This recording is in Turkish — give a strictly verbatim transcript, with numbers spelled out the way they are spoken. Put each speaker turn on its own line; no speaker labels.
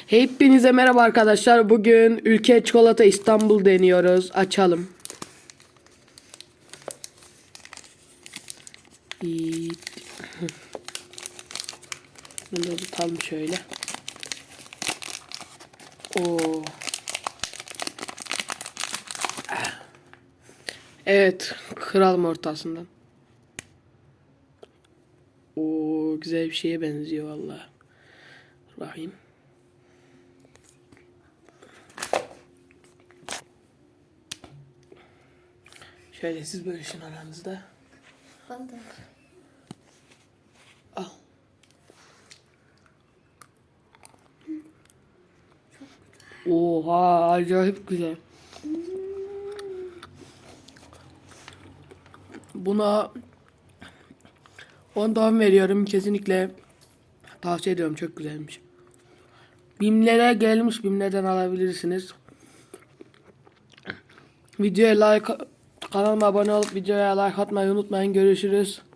Hepinize merhaba arkadaşlar. Bugün ülke çikolata İstanbul deniyoruz. Açalım. İyi. Bunu da tutalım şöyle. Oo. Evet, kıralım ortasından. Oo, güzel bir şeye benziyor vallahi. Dur bakayım. Şöyle siz bölüşün aranızda.
Ben de.
Al. Oha, acayip güzel. Buna ondan veriyorum, kesinlikle tavsiye ediyorum, çok güzelmiş. Bimlere gelmiş, Bimler'den alabilirsiniz. Videoya like, kanalıma abone olup videoya like atmayı unutmayın. Görüşürüz.